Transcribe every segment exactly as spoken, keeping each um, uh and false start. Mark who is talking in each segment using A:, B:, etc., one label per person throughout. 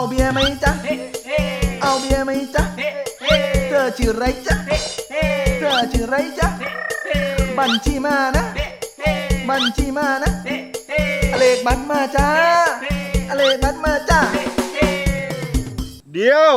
A: เบียร์ไหมจ๊ะเอาเบียร์ไหมจ๊ะเธอชื่อไรจ๊ะเธอชื่อไรจ๊ะบัญชีมานะบัญชีมานะเลขบัตรมาจ้าเลขบัตรมาจ้า
B: เดี๋ยว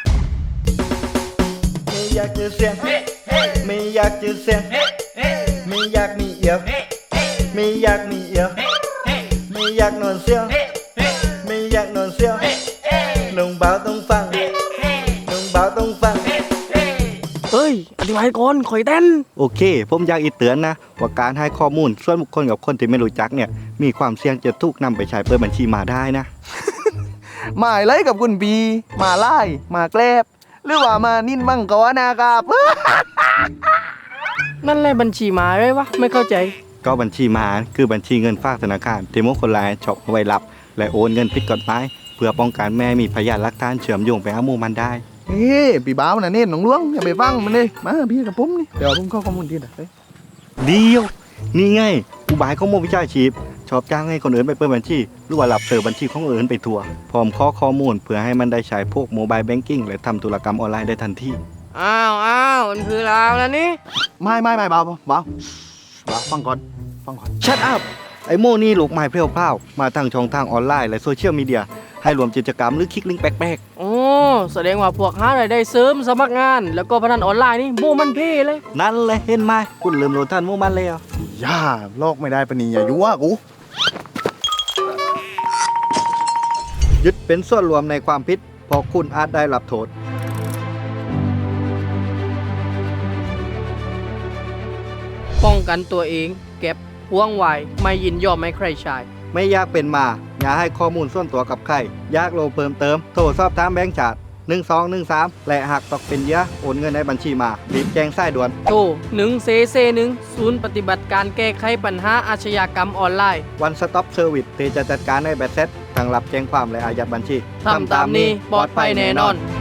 A: ไม่อยากจะเสียงไม่อยากจะเสียงไม่อยากมีเอียวไม่อยากมีเอียวไม่อยากนอนเสียวไม่อยากนอนเสียวน้องบ่าวต้องฟังน้องบ่าวต้องฟัง
C: เฮ้ยอธิบายก่อนข่อยเต้น
B: โอเคผมอยากอีเตือนนะว่าการให้ข้อมูลส่วนบุคคลกับคนที่ไม่รู้จักเนี่ยมีความเสี่ยงจะถูกนำไปใช้เปิดบัญชีมาได้นะ
A: หมายไรกับคุณบีมาไล่มาแกลบหรือว่ามานิ่นมั่งกวนะครับ
C: นั่นแหละบัญชีมาไว้วะไม่เข้าใจ
B: ก็บัญชีมาคือบัญชีเงินฝากธนาคารที่มุคนร้ายฉกเอาไว้รับและโอนเงินผิดกฎหมายเพื่อป้องกันแม่มีพยานหลักฐานเชื่อมโยงไปหาหมู่มันได้
A: เฮ้พี่บ้าวน่ะเน้นหนองหลวงอย่าไปฟังมันเลยมาพี่กับผมนี่เดี๋ยวผมเข้าข้อมูลที่ไหน
B: เดียวนี่ไงอุบายของโมวิชาชีพชอบจ้างให้คนอื่นไปเปิดบัญชีหรือว่าหลับเสิร์ฟบัญชีของอื่นไปทัวร์พร้อมข้อข้อมูลเพื่อให้มันได้ใช้พวกโมบายแบงกิ้งและทำธุรกรรมออนไลน์ได้ทันที
C: อ้าวอ้าวมันคือลาวแล้วนี่
A: ไม่ไม่ไม่บ้าวบ้าวบ้าวฟังก่อนฟังก่อน
B: ชัดอัพไอโมนี่หลกไม้เพลียวเผามาทางช่องทางออนไลน์และโซเชียลมีเดียให้รวมกิจกรรมหรือคลิกลิงก์แปลก
C: ๆโอ้แสดงว่าพวกหารายได้เสริมสมัครงานแล้วก็พนันออนไลน์นี่โมมันเพ่เลย
B: นั่นแหละเห็นไหมคุณลืมโหลดทันโมมันแล้ว
A: ย่าโลกไม่ได้ปนีอย่ายั่วกู
B: ยึดเป็นส่วนรวมในความผิดเพราะคุณอาจได้รับโทษ
C: ป้องกันตัวเองเก็บห่วงไว้ไม่ยินยอมให้ใครใช้
B: ไม่อยากเป็นมาอย่าให้ข้อมูลส่วนตัวกับใครอยากโลเพิ่มเติมโทรสอบถามแบงก์ชาติหนึ่งสองหนึ่งสามและหากตกเป็นเหยื่อโอนเงินในบัญชีมารีบแจ้งสายด่วน
C: โทรหนึ่งเซเซหนึ่งศูนย์ปฏิบัติการแก้ไขปัญหาอาชญากรรมออนไลน์
B: One Stop Service ที่จะจัดการในแบตเซ็ตทั้งรับแจ้งความและอายัดบัญชี
C: ทำตามนี้ปลอดภัยแน่นอน